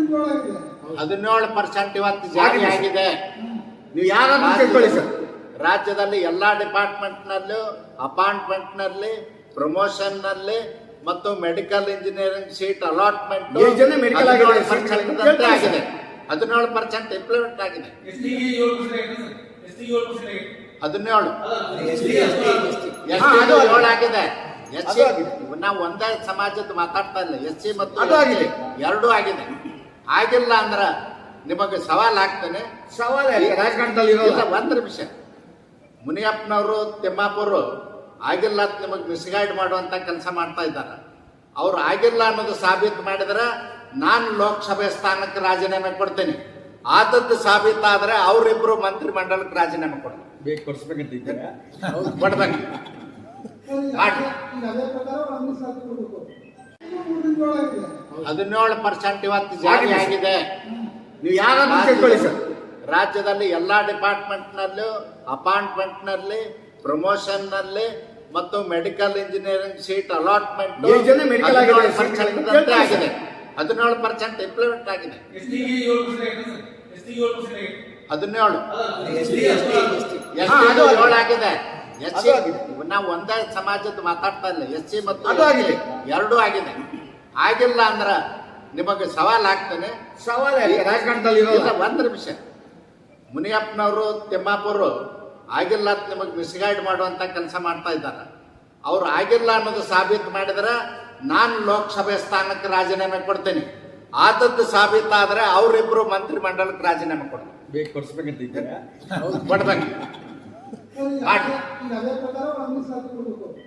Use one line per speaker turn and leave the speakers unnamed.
17% ಇವತ್ತು ಜಾರಿ ಆಗಿದೆ.
ನೀವು ಯಾರಾದ್ರೂ ತಿಳ್ಕೊಳ್ಳಿ ಸರ್.
ರಾಜ್ಯದಲ್ಲಿ ಎಲ್ಲಾ ಡಿಪಾರ್ಟ್ಮೆಂಟ್ ನಲ್ಲೂ ಅಪಾಯಿಂಟ್ಮೆಂಟ್ ನಲ್ಲಿ, ಪ್ರಮೋಷನ್ ನಲ್ಲಿ ಮತ್ತು medical engineering seat allotment
medical
ಆಗಿದೆ. 17% ಇಂಪ್ಲಿಮೆಂಟ್ ಆಗಿದೆ. 17 7 ಆಗಿದೆ. SC ನಾವು ಒಂದೇ ಸಮಾಜದ ಮಾತಾಡ್ತಾ ಇಲ್ಲ, SC ಮತ್ತು ಎರಡೂ ಆಗಿದೆ. ಆಗಿಲ್ಲ ಅಂದ್ರ ನಿಮಗೆ ಸವಾಲ್ ಆಗ್ತಾನೆ.
ರಾಜಕಾರಣದಲ್ಲಿ
ಒಂದ್ ನಿಮಿಷ, ಮುನಿಯಪ್ಪನವರು ತಿಮ್ಮಾಪುರು ಆಗಿಲ್ಲ ಅಂತ ನಿಮಗೆ ಮಿಸ್ಗೈಡ್ ಮಾಡುವಂತ ಕೆಲಸ ಮಾಡ್ತಾ ಇದ್ದಾರೆ. ಅವ್ರು ಆಗಿಲ್ಲ ಅನ್ನೋದು ಸಾಬೀತು ಮಾಡಿದ್ರೆ ನಾನು ಲೋಕಸಭೆ ಸ್ಥಾನಕ್ಕೆ ರಾಜೀನಾಮೆ ಕೊಡ್ತೇನೆ. ಆದದ್ದು ಸಾಬೀತಾದ್ರೆ ಅವರಿಬ್ರು ಮಂತ್ರಿ ಮಂಡಲಕ್ಕೆ ರಾಜೀನಾಮೆ ಕೊಡ್ಬೇಕು. ಕೊಡ್ಬೇಕು. 17% ಇವತ್ತು ಜಾರಿ ಆಗಿದೆ.
ನೀವು ಯಾರಾದ್ರೂ ತಿಳ್ಕೊಳ್ಳಿ ಸರ್.
ರಾಜ್ಯದಲ್ಲಿ ಎಲ್ಲಾ ಡಿಪಾರ್ಟ್ಮೆಂಟ್ ನಲ್ಲೂ ಅಪಾಯಿಂಟ್ಮೆಂಟ್ ನಲ್ಲಿ, ಪ್ರಮೋಷನ್ ನಲ್ಲಿ ಮತ್ತು medical engineering seat allotment
medical
ಆಗಿದೆ. 17% ಇಂಪ್ಲಿಮೆಂಟ್ ಆಗಿದೆ. 17 ಆಗಿದೆ. SC ನಾವು ಒಂದೇ ಸಮಾಜದ ಮಾತಾಡ್ತಾ ಇಲ್ಲ, SC ಮತ್ತು ಎರಡೂ ಆಗಿದೆ. ಆಗಿಲ್ಲ ಅಂದ್ರ ನಿಮಗೆ ಸವಾಲ್ ಆಗ್ತಾನೆ.
ರಾಜಕಾರಣದಲ್ಲಿ
ಒಂದ್ ನಿಮಿಷ, ಮುನಿಯಪ್ಪನವರು ತಿಮ್ಮಾಪುರು ಆಗಿಲ್ಲ ಅಂತ ನಿಮಗೆ ಮಿಸ್ಗೈಡ್ ಮಾಡುವಂತ ಕೆಲಸ ಮಾಡ್ತಾ ಇದ್ದಾರೆ. ಅವ್ರು ಆಗಿಲ್ಲ ಅನ್ನೋದು ಸಾಬೀತು ಮಾಡಿದ್ರೆ ನಾನು ಲೋಕಸಭೆ ಸ್ಥಾನಕ್ಕೆ ರಾಜೀನಾಮೆ ಕೊಡ್ತೇನೆ. ಆದದ್ದು ಸಾಬೀತಾದ್ರೆ ಅವರಿಬ್ರು ಮಂತ್ರಿ ಮಂಡಲಕ್ಕೆ ರಾಜೀನಾಮೆ ಕೊಡ್ಬೇಕು. ಕೊಡ್ಬೇಕು.